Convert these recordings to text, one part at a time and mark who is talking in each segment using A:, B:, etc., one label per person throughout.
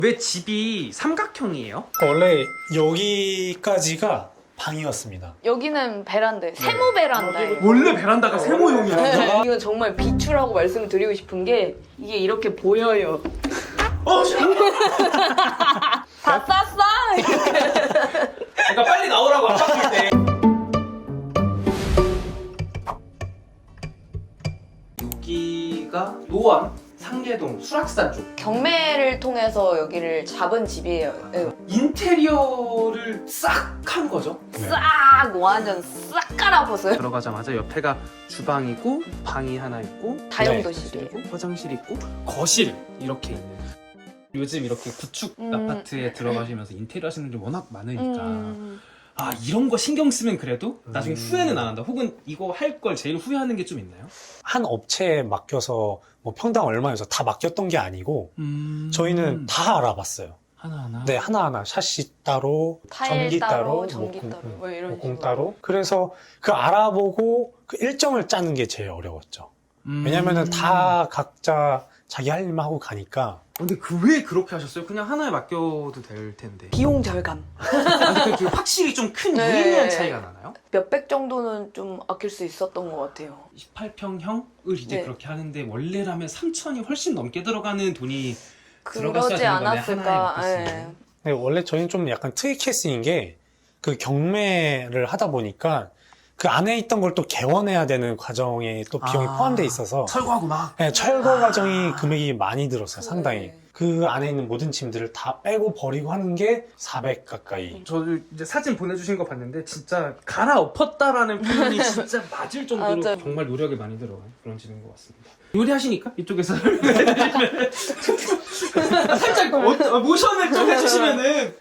A: 왜 집이 삼각형이에요?
B: 원래 여기까지가 방이었습니다.
C: 여기는 베란다, 세모 베란다예요.
A: 원래 베란다가 세모형이야.
C: 이거 정말 비추라고 말씀을 드리고 싶은 게 이게 이렇게 보여요. 다 쌌어?
A: 그러니까 빨리 나오라고 아팠을 때. 여기가 노원, 상계동, 수락산 쪽.
C: 경매를 통해서 여기를 잡은 집이에요. 네.
A: 인테리어를 싹 한 거죠.
C: 싹 완전 싹 깔아봤어요.
A: 들어가자마자 옆에가 주방이고 방이 하나 있고
C: 다용도실이에요.
A: 그리고 화장실 있고 거실 이렇게 있는. 요즘 이렇게 구축 아파트에 들어가시면서 인테리어 하시는 분들 워낙 많으니까 아 이런 거 신경 쓰면 그래도 나중에 후회는 안 한다. 혹은 이거 할 걸 제일 후회하는 게 좀 있나요?
B: 한 업체에 맡겨서 뭐 평당 얼마여서 다 맡겼던 게 아니고 저희는 다 알아봤어요.
A: 하나하나?
B: 네, 하나하나 샤시 따로,
C: 타일
B: 전기 따로,
C: 전기
B: 뭐
C: 따로, 뭐 이런
B: 공
C: 식으로.
B: 따로. 그래서 그 알아보고 그 일정을 짜는 게 제일 어려웠죠. 왜냐면은 다 각자 자기 할 일만 하고 가니까.
A: 근데 왜 그렇게 하셨어요? 그냥 하나에 맡겨도 될 텐데.
C: 비용 절감.
A: 아니, 그게 확실히 좀 큰
C: 네.
A: 유의미한 차이가 나나요?
C: 몇백 정도는 좀 아낄 수 있었던 것 같아요.
A: 18평형을 이제
C: 네.
A: 그렇게 하는데 원래라면 3천이 훨씬 넘게 들어가는 돈이 들어갔어야
C: 그러지
A: 되는 건데
C: 않았을까.
A: 하나에
C: 예.
A: 맡겼으면.
B: 네, 원래 저희는 좀 약간 특이 케이스인 게 그 경매를 하다 보니까 그 안에 있던 걸 또 개원해야 되는 과정에 또 비용이 포함되어 있어서
A: 철거하고 막.
B: 네, 철거 과정이 금액이 많이 들었어요, 상당히.
C: 네.
B: 그 안에 있는 모든 짐들을 다 빼고 버리고 하는 게 400 가까이.
A: 저도 이제 사진 보내주신 거 봤는데 진짜 갈아엎었다라는 표현이 진짜 맞을 정도로
C: 맞아요.
A: 정말 노력이 많이 들어간 그런 집인 것 같습니다. 요리하시니까 이쪽에서 설명해주시면 살짝 모션을 좀 해주시면은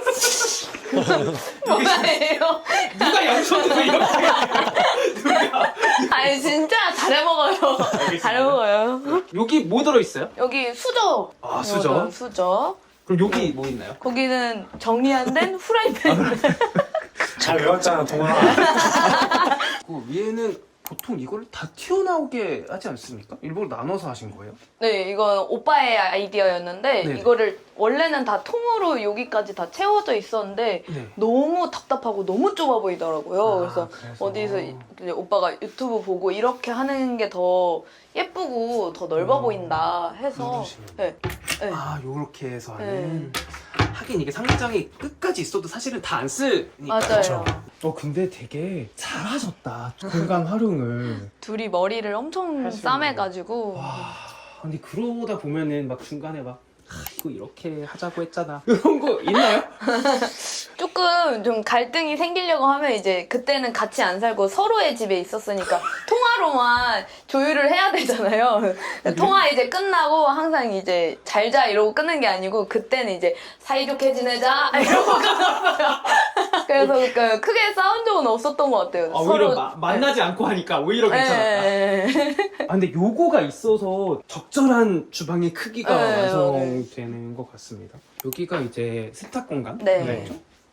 C: 뭐예요?
A: 누가 양손으로 이렇게 누가
C: 아니 진짜 잘해 먹어요. 잘 먹어요.
A: 여기 뭐 들어있어요?
C: 여기 수저.
A: 아, 수저?
C: 이거는 수저.
A: 그럼 여기 뭐 있나요?
C: 거기는 정리 안 된 후라이팬.
B: 잘 외웠잖아, 동아.
A: 그 위에는 보통 이걸 다 튀어나오게 하지 않습니까? 일부러 나눠서 하신 거예요?
C: 네, 이건 오빠의 아이디어였는데
A: 네네.
C: 이거를 원래는 다 통으로 여기까지 다 채워져 있었는데
A: 네.
C: 너무 답답하고 너무 좁아 보이더라고요. 그래서 어디서 이제 오빠가 유튜브 보고 이렇게 하는 게 더 예쁘고 더 넓어 보인다 해서 네. 네.
A: 아 요렇게 해서 하는
C: 네.
A: 하긴 이게 상장이 끝까지 있어도 사실은 다 안 쓰니까.
C: 맞아요.
A: 근데 되게 잘하셨다 공간 활용을.
C: 둘이 머리를 엄청
A: 하시는
C: 싸매가지고
A: 와 근데 그러다 보면은 막 중간에 막 이거 이렇게 하자고 했잖아 이런 거 있나요?
C: 조금 좀 갈등이 생기려고 하면 이제 그때는 같이 안 살고 서로의 집에 있었으니까 통화로만 조율을 해야 되잖아요. 통화 이제 끝나고 항상 이제 잘자 이러고 끊는 게 아니고 그때는 이제 사이좋게 지내자 이러고 끊었어요. 그래서 그 크게 싸운 적은 없었던 것 같아요.
A: 오히려 만나지 않고 하니까 오히려 괜찮았다.
C: 네.
A: 아, 근데 요거가 있어서 적절한 주방의 크기가
C: 네,
A: 완성되는 것 같습니다. 여기가 이제 세탁 공간.
C: 네.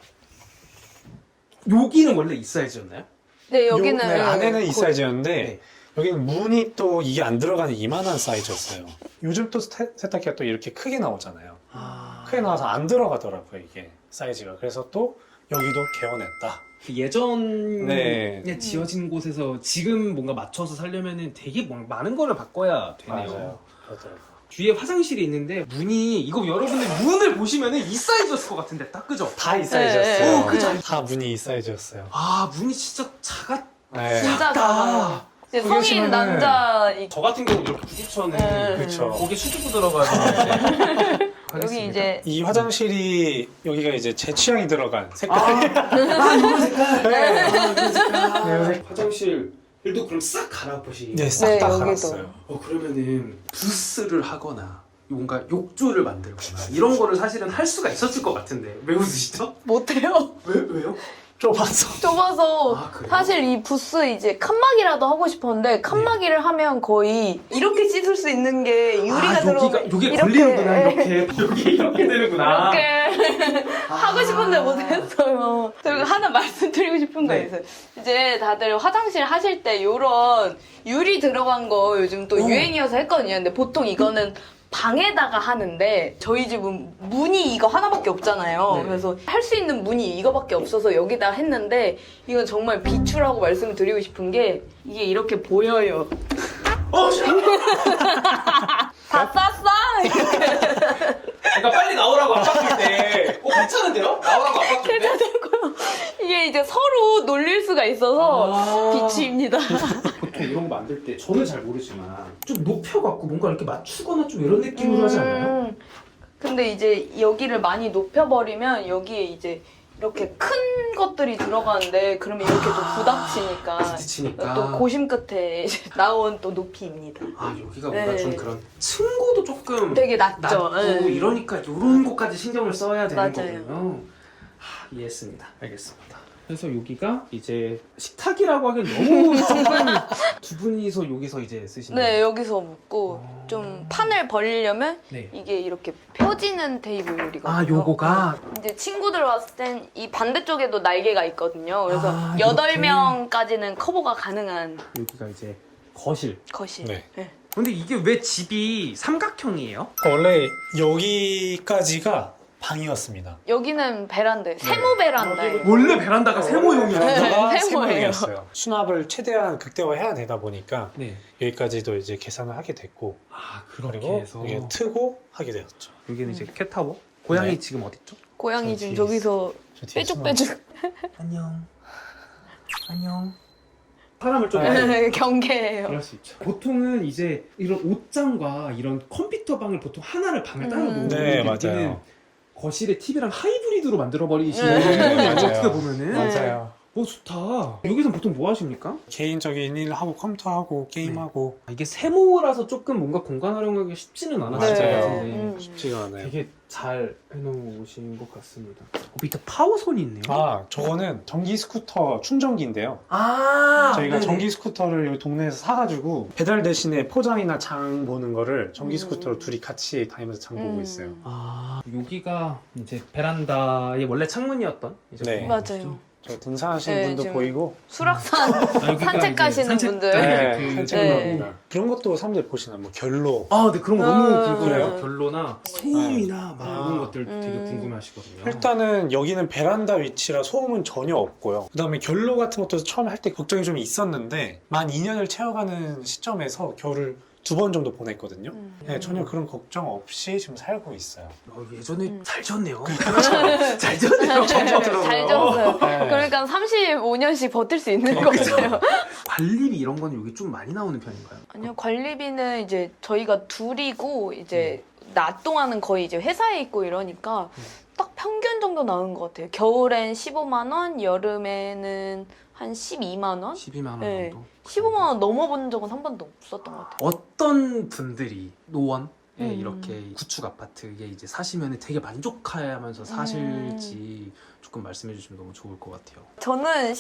A: 여기는 원래 이 사이즈였나요?
C: 네, 여기는
B: 네, 안에는 이
C: 거의-
B: 사이즈였는데
A: 네.
B: 여기는 문이 또 이게 안 들어가는 이만한 사이즈였어요. 요즘 또 세탁기가 또 이렇게 크게 나오잖아요. 크게 나와서 안 들어가더라고요, 이게 사이즈가. 그래서 또 여기도 개원했다.
A: 그 예전에
B: 네.
A: 지어진 곳에서 지금 뭔가 맞춰서 살려면은 되게 많은 거를 바꿔야 되네요.
B: 맞아요. 그렇더라고요.
A: 뒤에 화장실이 있는데 문이 이거 여러분들 문을 보시면은 이 사이즈였을 것 같은데 딱 그죠?
B: 다 이 사이즈였어요.
A: 네. 그죠?
B: 다 문이 이 사이즈였어요.
A: 아 문이 진짜 작았다.
B: 네.
C: 진짜 작아요. 이제 성인
B: 보시면은
C: 남자
A: 저 같은 경우 이렇게 부딪혀는
C: 네.
B: 그쵸.
A: 거기 수주부 들어가서
C: 여기 이제
B: 이 화장실이 여기가 이제 제 취향이 들어간 색깔이.
A: 이런 색깔.
B: 네.
A: 이런 색깔.
B: 네.
A: 화장실도 그럼 싹 갈아엎으시.
B: 네, 싹 다
C: 여기도.
B: 갈았어요.
A: 그러면은 부스를 하거나 뭔가 욕조를 만들거나 이런 거를 사실은 할 수가 있었을 것 같은데 왜 웃으시죠?
C: 못해요.
A: 왜요?
B: 좁아서.
C: 좁아서
A: 아, 그래요?
C: 사실 이 부스 이제 칸막이라도 하고 싶었는데 칸막이를 하면 거의 이렇게 씻을 수 있는 게 유리가 들어오면
A: 여기 걸리는구나 이렇게 여기 이렇게 되는구나.
C: 이렇게 하고 싶은데 못했어요. 그리고 하나 말씀드리고 싶은 거
A: 네.
C: 있어요. 이제 다들 화장실 하실 때 이런 유리 들어간 거 요즘 또 유행이어서 했거든요. 근데 보통 이거는 방에다가 하는데 저희 집은 문이 이거 하나밖에 없잖아요.
A: 네.
C: 그래서 할 수 있는 문이 이거밖에 없어서 여기다 했는데 이건 정말 비추라고 말씀을 드리고 싶은 게 이게 이렇게 보여요. 다 쌌어?
A: 그러니까 빨리 나오라고 압박할 때 괜찮은데요? 나오라고 압박할 때?
C: 이게 이제 서로 놀릴 수가 있어서 비추입니다.
A: 보통 이런 거 만들 때 저는 잘 모르지만 좀 높여갖고 뭔가 이렇게 맞추거나 좀 이런 느낌으로 하지 않나요?
C: 근데 이제 여기를 많이 높여버리면 여기에 이제 이렇게 큰 것들이 들어가는데 그러면 이렇게 또 부닥치니까
A: 부딪히니까.
C: 또 고심 끝에 이제 나온 또 높이입니다.
A: 아 여기가 뭔가
C: 네.
A: 좀 그런 층고도 조금
C: 되게 낮죠.
A: 낮고
C: 네.
A: 이러니까 이런 것까지 신경을 써야 되는
C: 맞아요.
A: 거군요. 이해했습니다. 알겠습니다. 그래서 여기가 이제 식탁이라고 하기엔 너무 조금 두 분이서 여기서 이제 쓰시는
C: 네,
A: 거예요?
C: 여기서 묶고 좀 판을 벌리려면
A: 네.
C: 이게 이렇게 펴지는 테이블이거든요.
A: 아 요거가
C: 이제 친구들 왔을 땐 이 반대쪽에도 날개가 있거든요. 그래서
A: 아,
C: 8명까지는 커버가 가능한
A: 여기가 이제 거실.
C: 것이.
B: 네.
A: 근데 이게 왜 집이 삼각형이에요?
B: 원래 여기까지가 방이었습니다.
C: 여기는 베란다, 세모 베란다예요.
A: 원래 베란다가 세모형이었어요?
C: 네. 세모예요.
B: 세모였어요. 수납을 최대한 극대화해야 되다 보니까
A: 네.
B: 여기까지도 이제 계산을 하게 됐고
A: 아 그렇게
B: 그리고
A: 해서
B: 이게 트고 하게 되었죠.
A: 여기는 이제 캣타워. 고양이
B: 네.
A: 지금 어딨죠?
C: 고양이
B: 저
C: 지금
B: 뒤에
C: 저기서
B: 저 뒤에
C: 빼죽빼죽
A: 안녕. 안녕. 사람을 좀
C: 경계해요.
A: 그럴 수 있죠. 보통은 이제 이런 옷장과 이런 컴퓨터 방을 보통 하나를 방을 따로 놓는
B: 네,
A: 여기는
B: 맞아요.
A: 거실에 TV랑 하이브리드로 만들어 버리시는
C: 네.
A: 거예요.
B: 맞아요.
A: 어떻게 보면은.
C: 네.
B: 맞아요.
A: 오 좋다. 여기서 보통 뭐 하십니까?
B: 개인적인 일 하고 컴퓨터하고 게임하고
A: 이게 세모라서 조금 뭔가 공간 활용하기 쉽지는 않았을 것
B: 맞아요.
A: 같은데
B: 쉽지가 않아요.
A: 되게 잘 해놓으신 것 같습니다. 밑에 파워선이 있네요.
B: 아, 저거는 전기 스쿠터 충전기인데요.
A: 아,
B: 저희가
A: 네네.
B: 전기 스쿠터를 여기 동네에서 사가지고 배달 대신에 포장이나 장 보는 거를 전기 스쿠터로 둘이 같이 다니면서 장 보고 있어요.
A: 아 여기가 이제 베란다의 원래 창문이었던 이제
B: 네.
A: 그런
C: 맞아요.
A: 거죠?
B: 저 등산하시는
C: 네,
B: 분도
C: 지금
B: 보이고
C: 수락산
A: 아, 여기가
C: 산책
A: 이제
C: 가시는
A: 산책-
C: 분들.
A: 네,
B: 네,
A: 그-
B: 산책로입니다. 그런 것도 사람들 보시나 뭐 결로
A: 아, 네 그런 거 너무
C: 아,
A: 궁금해요.
B: 그래요?
A: 결로나 소음이나 막 이런 것들 되게
C: 음.
A: 궁금해하시거든요.
B: 일단은 여기는 베란다 위치라 소음은 전혀 없고요. 그 다음에 결로 같은 것도 처음에 할 때 걱정이 좀 있었는데 만 2년을 채워가는 시점에서 겨울을 2번 정도 보냈거든요. 네, 전혀 그런 걱정 없이 지금 살고 있어요.
A: 예전에 잘 졌네요. 잘 졌네요.
C: 잘 졌어요.
B: 네.
C: 그러니까 35년씩 버틸 수 있는
A: 그렇죠.
C: 거죠.
A: 관리비 이런 건 여기 좀 많이 나오는 편인가요?
C: 아니요, 관리비는 이제 저희가 둘이고 이제 낮 동안은 거의 이제 회사에 있고 이러니까 딱 평균 정도 나오는 것 같아요. 겨울엔 15만 원, 여름에는 한 12만 원?
A: 12만 원
C: 네.
A: 정도.
C: 15만 원 넘어본 적은 한 번도 없었던 것 같아요.
A: 어떤 분들이 노원에
C: 음.
A: 이렇게 구축 아파트에 이제 사시면 되게 만족하면서 사실지 조금 말씀해 주시면 너무 좋을 것 같아요.
C: 저는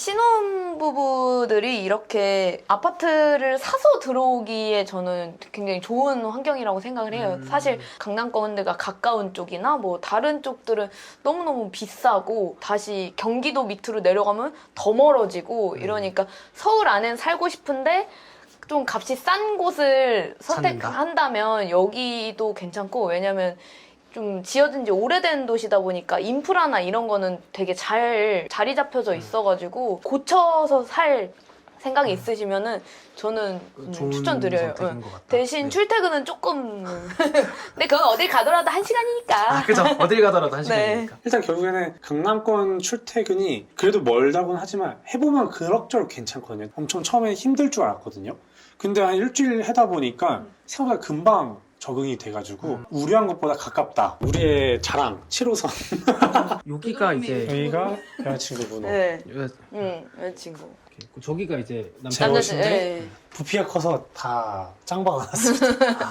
C: 신혼부부들이 이렇게 아파트를 사서 들어오기에 저는 굉장히 좋은 환경이라고 생각을 해요. 사실 강남권대가 가까운 쪽이나 뭐 다른 쪽들은 너무너무 비싸고 다시 경기도 밑으로 내려가면 더 멀어지고 이러니까 서울 안엔 살고 싶은데 좀 값이 싼 곳을 선택한다면 여기도 괜찮고 왜냐면 좀 지어진 지 오래된 도시다 보니까 인프라나 이런 거는 되게 잘 자리 잡혀져 있어가지고 고쳐서 살 생각이 있으시면은 저는
A: 좋은
C: 추천드려요.
A: 선택인 것 같다.
C: 대신
A: 네.
C: 출퇴근은 조금 근데 그건 어딜 가더라도 1시간이니까
A: 아 그죠. 어딜 가더라도 한
C: 네.
A: 시간이니까.
B: 일단 결국에는 강남권 출퇴근이 그래도 멀다고는 하지만 해보면 그럭저럭 괜찮거든요. 엄청 처음에 힘들 줄 알았거든요. 근데 한 일주일 하다 보니까 생각보다 금방 적응이 돼가지고 우려한 것보다 가깝다. 우리의 자랑 7호선.
A: 여기가 이제
B: 여기가 여자친구 분호.
C: 네.
A: 여-
C: 여자친구
A: 저기가 이제
B: 제
A: 남자.
B: 옷인데?
C: 네.
B: 부피가 커서 다 짱박아 놨습니다.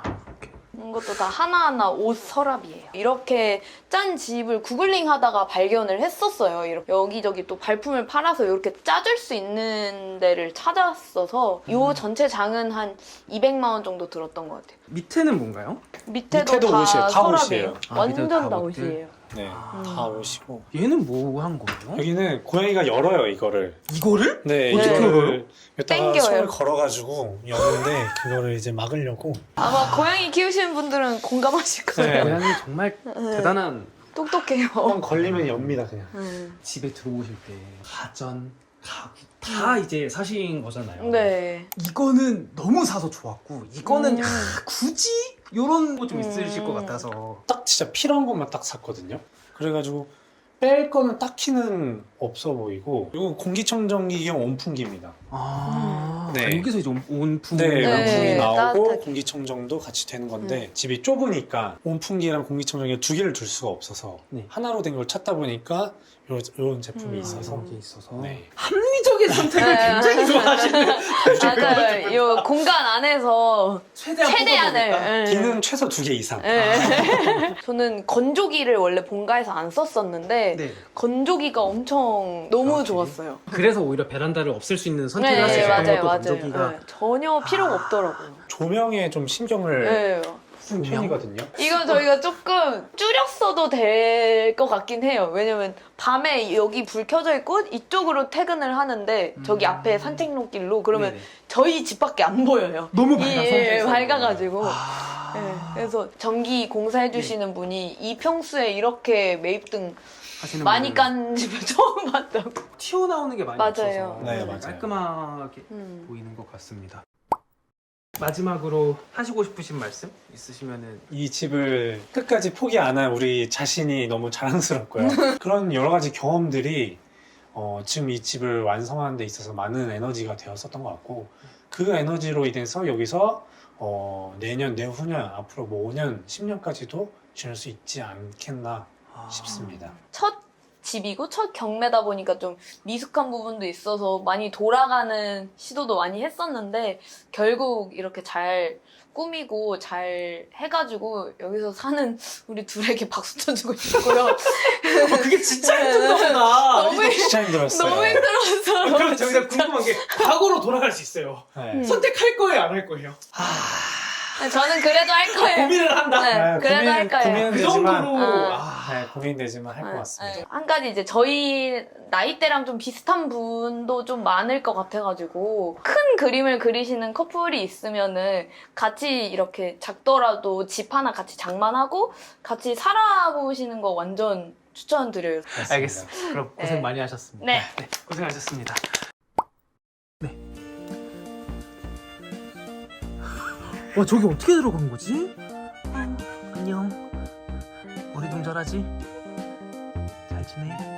C: 이것도 다 하나하나 옷 서랍이에요. 이렇게 짠 집을 구글링 하다가 발견을 했었어요. 이렇게 여기저기 또 발품을 팔아서 이렇게 짜줄 수 있는 데를 찾았어서 이 전체 장은 한 200만 원 정도 들었던 것 같아요.
A: 밑에는 뭔가요?
C: 밑에도
B: 밑에도
C: 다
B: 옷이에요. 다
C: 서랍이에요.
B: 옷이에요.
A: 아, 밑에도
C: 완전
A: 다
C: 다
A: 옷들?
C: 옷이에요.
B: 네, 다 오시고.
A: 얘는 뭐 한 거예요?
B: 여기는 고양이가 열어요, 이거를.
A: 이거를?
B: 네,
C: 어떻게
B: 이거를 여기다가
C: 땡겨요.
B: 손을 걸어가지고 여는데 그거를 이제 막으려고.
C: 아마 고양이 키우시는 분들은 공감하실 거예요.
B: 네.
A: 고양이 정말 대단한.
C: 똑똑해요.
B: 한번 걸리면 엽니다, 그냥.
A: 집에 들어오실 때 가전, 가구 다 이제 사신 거잖아요.
C: 네.
A: 이거는 너무 사서 좋았고 이거는 굳이 이런 거 좀 있으실 것 같아서.
B: 딱 진짜 필요한 것만 딱 샀거든요. 그래가지고 뺄 거는 딱히는 없어 보이고. 이거 공기청정기경 온풍기입니다.
A: 아,
B: 네.
A: 여기서 이제 온풍.
B: 네,
C: 네,
B: 온풍이 나오고
C: 따뜻하게.
B: 공기청정도 같이 되는 건데 집이 좁으니까 온풍기랑 공기청정기 두 개를 둘 수가 없어서
A: 네.
B: 하나로 된 걸 찾다 보니까 이런 제품이 있어서.
A: 게 있어서.
B: 네.
A: 합리적인 선택을
C: 네.
A: 굉장히 좋아하시는.
C: 맞아요. 이 공간 안에서 최대한을. 네.
B: 기능 최소 2개 이상.
C: 네. 저는 건조기를 원래 본가에서 안 썼었는데
A: 네.
C: 건조기가 엄청 너무
A: 아,
C: 좋았어요.
A: 그래서 오히려 베란다를 없앨 수 있는 선택을
C: 네,
A: 할 수 있어요.
C: 맞아요,
A: 또
C: 맞아요.
A: 건조기가.
C: 네, 전혀 필요가 없더라고요.
B: 조명에 좀 신경을
C: 네.
B: 쓴 편이거든요.
C: 이건 저희가 조금 줄였어도 될 것 같긴 해요. 왜냐면 밤에 여기 불 켜져 있고 이쪽으로 퇴근을 하는데 저기 앞에 산책로길로 그러면
A: 네네.
C: 저희 집밖에 안 보여요.
A: 너무 밝아서.
C: 밝아가지고.
A: 아.
C: 네, 그래서 전기 공사해주시는 분이 이 평수에 이렇게 매입등
A: 하시는
C: 많이
A: 분들은
C: 깐 집을 처음 봤다고.
A: 튀어나오는 게 많이
C: 맞아요.
A: 없어서
B: 네, 맞아요.
A: 깔끔하게
C: 음.
A: 보이는 것 같습니다. 마지막으로 하시고 싶으신 말씀 있으시면은.
B: 이 집을 끝까지 포기 안 한 우리 자신이 너무 자랑스럽고요. 그런 여러 가지 경험들이 지금 이 집을 완성하는 데 있어서 많은 에너지가 되었었던 것 같고 그 에너지로 인해서 여기서 내년, 내후년, 앞으로 뭐 5년, 10년까지도 지낼 수 있지 않겠나 싶습니다.
C: 첫 집이고 첫 경매다 보니까 좀 미숙한 부분도 있어서 많이 돌아가는 시도도 많이 했었는데 결국 이렇게 잘 꾸미고 잘 해가지고 여기서 사는 우리 둘에게 박수 쳐주고 싶고요.
A: 그게 진짜 힘든 거구나.
C: 너무
B: 진짜 힘들었어요.
C: 너무 힘들었어.
A: 그럼 저기다 궁금한 게 과거로 돌아갈 수 있어요.
B: 네.
A: 선택할 거예요, 안 할 거예요?
C: 저는 그래도 할 거예요.
A: 고민을 한다.
C: 네, 그래도 할 거예요.
B: 고민은
A: 그
B: 되지만,
A: 정도로.
B: 네, 고민되지만 할 것 같습니다.
C: 네. 한 가지 이제 저희 나이대랑 좀 비슷한 분도 좀 많을 것 같아가지고 큰 그림을 그리시는 커플이 있으면은 같이 이렇게 작더라도 집 하나 같이 장만하고 같이 살아보시는 거 완전 추천드려요.
B: 맞습니다.
A: 알겠습니다. 그럼 고생
C: 네.
A: 많이 하셨습니다.
C: 네.
A: 고생하셨습니다. 네. 와, 저기 어떻게 들어간 거지? 안녕. 우리 동절하지? 잘 지내?